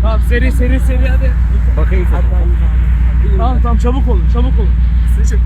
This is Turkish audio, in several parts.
Tamam seri hadi. Bakayım. Tamam çabuk olun. Sizi çek.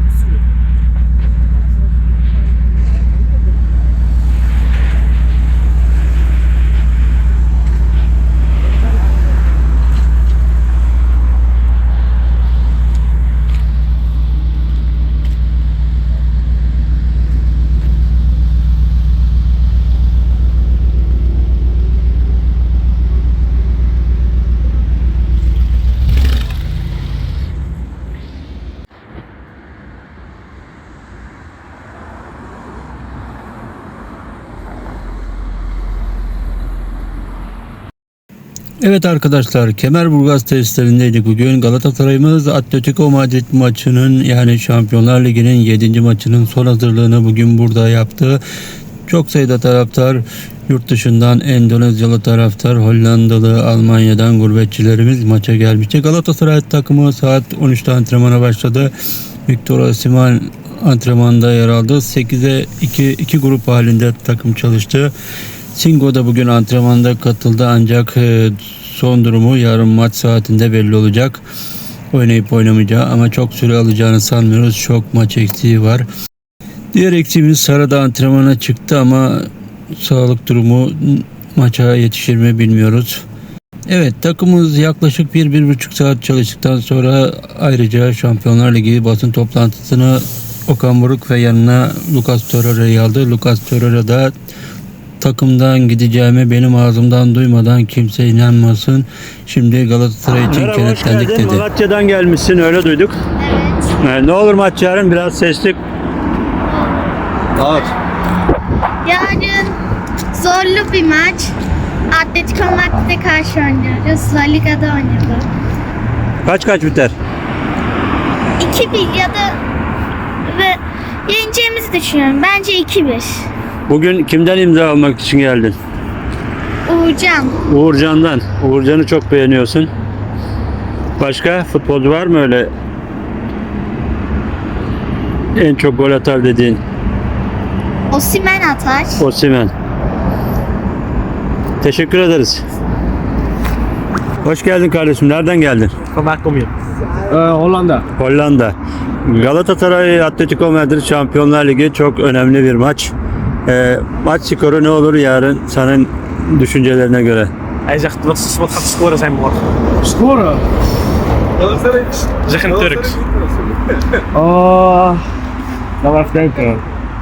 Evet arkadaşlar, Kemerburgaz testlerindeydik bugün. Galatasaray'ımız Atletico Madrid maçının, yani Şampiyonlar Ligi'nin 7. maçının son hazırlığını bugün burada yaptı. Çok sayıda taraftar, yurt dışından Endonezyalı taraftar, Hollandalı, Almanya'dan gurbetçilerimiz maça gelmişti. Galatasaray takımı saat 13'te antrenmana başladı. Victor Osimhen antrenmanda yer aldı. 8'e 2 grup halinde takım çalıştı. Singo da bugün antrenmanda katıldı, ancak son durumu yarın maç saatinde belli olacak. Oynayıp oynamayacağı, ama çok süre alacağını sanmıyoruz. Çok maç eksiği var. Diğer eksiğimiz Sara da antrenmana çıktı ama sağlık durumu maça yetişir mi bilmiyoruz. Evet, takımımız yaklaşık 1-1,5 saat çalıştıktan sonra ayrıca Şampiyonlar Ligi basın toplantısını Okan Buruk ve yanına Lucas Torreira'yı aldı. Lucas Torreira da takımdan gideceğimi benim ağzımdan duymadan kimse inanmasın, şimdi Galatasaray için kenetlendik dedi. Malatya'dan gelmişsin, öyle duyduk. Evet. Ne olur maç yarın biraz sesli. Yarın zorlu bir maç. Atletico Madrid'e karşı oynuyoruz. La Liga'da oynuyoruz. Kaç biter? 2-1 ya da ve yeneceğimizi düşünüyorum. Bence 2-1. Bugün kimden imza almak için geldin? Uğurcan. Uğurcan'dan. Uğurcan'ı çok beğeniyorsun. Başka futbolcu var mı öyle en çok gol atar dediğin? Osimhen atar. Osimhen. Teşekkür ederiz. Hoş geldin kardeşim. Nereden geldin? Hollanda. Hollanda. Galatasaray Atletico Madrid Şampiyonlar Ligi çok önemli bir maç. Maç skoru ne olur yarın senin düşüncelerine göre? Hij zegt wat gaat de score zijn morgen? Scoren? Zeg in het Turks. Dan maar even denken.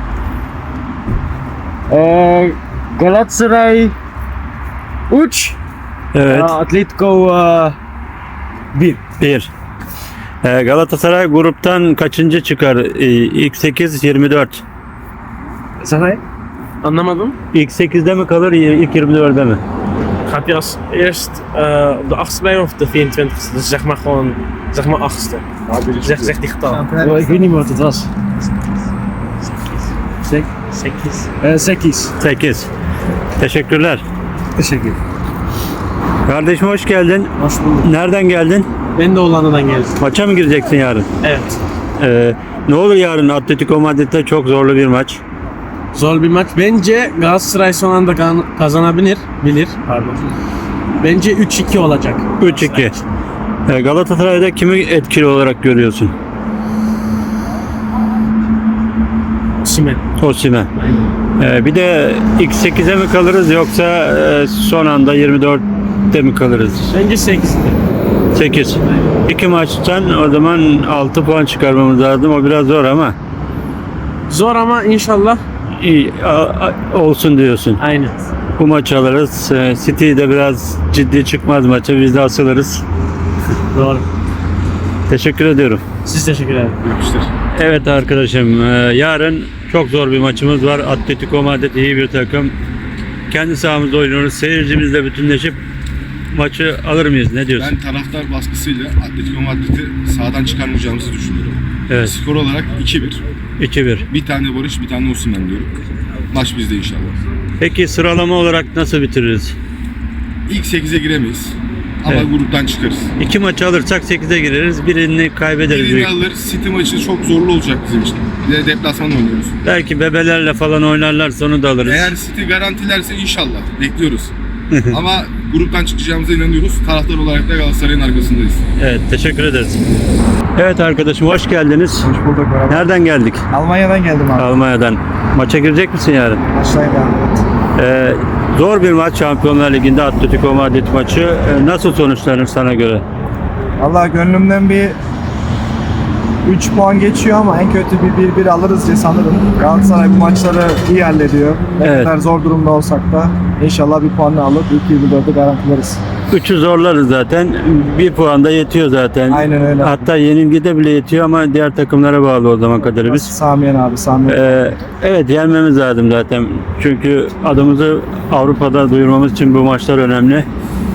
Galatasaray 3. Evet. Atletico 1. 1. Galatasaray gruptan kaçıncı çıkar? İlk 8 24. Zeg Anlamadım. İlk 8'de mi kalır, ilk 24'de mi? Gaat hij als eerst op de 8e bij of de 24e? Dus zeg maar gewoon, zeg maar 8e. Zeg die getal. Ik weet niet meer wat het was. Sekis. 8. Teşekkürler. Teşekkür. Kardeşim hoş geldin. Hoş bulduk. Nereden geldin? Ben de Hollanda'dan geldim. Maça mı gireceksin yarın? Evet. Ne olur yarın Atletico Madrid'de çok zorlu bir maç. Zor bir maç. Bence Galatasaray son anda kazanabilir. Bence 3-2 olacak. 3-2. Galatasaray'da kimi etkili olarak görüyorsun? Osimhen. Bir de ilk 8'e mi kalırız, yoksa son anda 24'te mi kalırız? Bence 8. 8. 2 maçtan o zaman 6 puan çıkarmamız lazım. O biraz zor ama Zor ama inşallah. iyi olsun diyorsun. Aynen. Bu maçı alırız. City de biraz ciddi çıkmaz maça. Biz de asılırız. Doğru. Teşekkür ediyorum. Siz teşekkür ederim. Evet arkadaşım, yarın çok zor bir maçımız var. Atletico Madrid iyi bir takım. Kendi sahamızda oynuyoruz. Seyircimizle bütünleşip maçı alır mıyız? Ne diyorsun? Ben taraftar baskısıyla Atletico Madrid'i sahadan çıkarmayacağımızı düşünüyorum. Evet. Skor olarak 2-1. 2-1. Bir tane Barış, bir tane Osimhen diyorum. Maç bizde inşallah. Peki sıralama olarak nasıl bitiririz? İlk 8'e giremeyiz. Ama Evet. gruptan çıkarız. 2 maçı alırsak 8'e gireriz. Birini kaybederiz. Birini alır. City maçı çok zorlu olacak bizim için. Bir de deplasman oynuyoruz. Belki bebelerle falan oynarlarsa onu da alırız. Eğer City garantilerse inşallah bekliyoruz. Ama gruptan çıkacağımıza inanıyoruz. Taraftar olarak da Galatasaray'ın arkasındayız. Evet, teşekkür ederiz. Evet arkadaşım, hoş geldiniz. Hoş bulduk. Merhaba. Nereden geldik? Almanya'dan geldim abi. Almanya'dan. Maça girecek misin yarın? Aşağıya devam et. Zor bir maç, Şampiyonlar Ligi'nde Atletico Madrid maçı. Nasıl sonuçlanır sana göre? Valla gönlümden bir 3 puan geçiyor ama en kötü bir 1-1 alırız diye sanırım. Galatasaray bu maçları iyi hallediyor. Ne Evet. kadar zor durumda olsak da inşallah bir puanla alıp ilk 24'ü garantileriz. 3'ü zorlarız zaten. Bir puan da yetiyor zaten. Aynen öyle. Hatta yenilgide bile yetiyor ama diğer takımlara bağlı o zaman kadarı biz. Samiyen abi, Samiyen. Evet, yenmemiz lazım zaten. Çünkü adımızı Avrupa'da duyurmamız için bu maçlar önemli.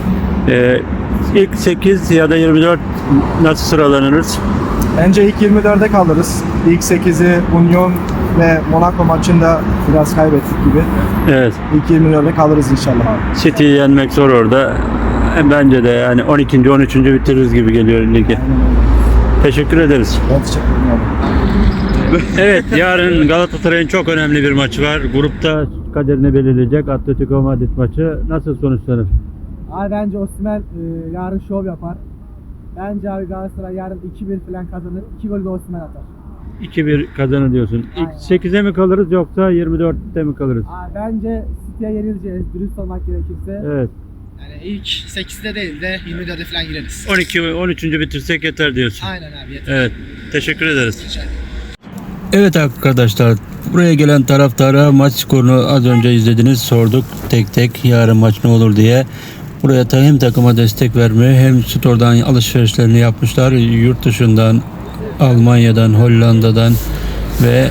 İlk 8 ya da 24 nasıl sıralanırız? Bence ilk 24'e kalırız. İlk 8'i Union ve Monaco maçında biraz kaybettik gibi. Evet. İlk 24'e kalırız inşallah. City'yi yenmek zor orada. Bence de yani 12. 13. bitiririz gibi geliyor ligi. Aynen öyle. Teşekkür ederiz. Ben teşekkür ederim abi. Evet, yarın Galatasaray'ın çok önemli bir maçı var. Grupta kaderini belirleyecek Atletico Madrid maçı. Nasıl sonuçlanır? Abi bence Osimhen yarın şov yapar. Bence abi Galatasaray yarın 2-1 falan kazanır. 2 gol de Osimhen atar. 2-1 kazanır diyorsun. İlk Aynen. 8'e mi kalırız yoksa 24'te mi kalırız? Abi bence City'ye yenileceğiz. Dürüst olmak gerekirse. Evet. Yani ilk 8'de değil de 24'e falan gireriz. 12 ve 13. bitirsek yeter diyorsun. Aynen abi yeter. Evet. Teşekkür ederiz. Rica ederim. Evet arkadaşlar, buraya gelen taraftara maç skorunu az önce izlediniz, sorduk tek tek yarın maç ne olur diye. Buraya hem takıma destek vermeye hem store'dan alışverişlerini yapmışlar. Yurt dışından, Almanya'dan, Hollanda'dan ve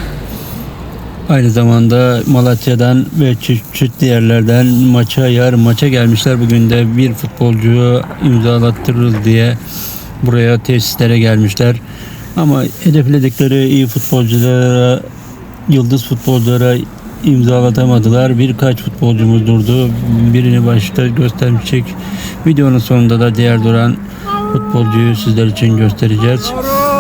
aynı zamanda Malatya'dan ve çeşitli yerlerden yarın maça gelmişler. Bugün de bir futbolcuyu imzalattırırız diye buraya tesislere gelmişler. Ama hedefledikleri iyi futbolculara, yıldız futbolculara imzalatamadılar. Birkaç futbolcumuz durdu. Birini başta göstermiştik. Videonun sonunda da diğer duran futbolcuyu sizler için göstereceğiz.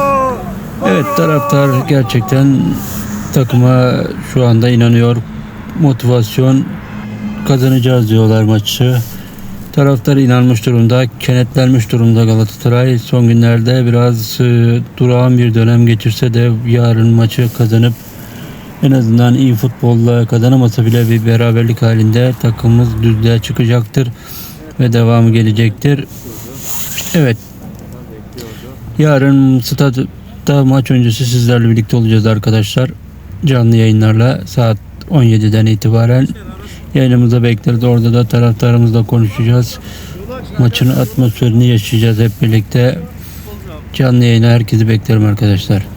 Evet, taraftar gerçekten takıma şu anda inanıyor. Motivasyon, kazanacağız diyorlar maçı. Taraftar inanmış durumda, kenetlenmiş durumda Galatasaray. Son günlerde biraz durağan bir dönem geçirse de yarın maçı kazanıp en azından iyi futbolla kazanamasa bile bir beraberlik halinde takımımız düzlüğe çıkacaktır ve devamı gelecektir. Evet. Yarın stadyumda maç öncesi sizlerle birlikte olacağız arkadaşlar. Canlı yayınlarla saat 17'den itibaren yayınımıza bekleriz. Orada da taraftarımızla konuşacağız. Maçın atmosferini yaşayacağız hep birlikte. Canlı yayına herkesi beklerim arkadaşlar.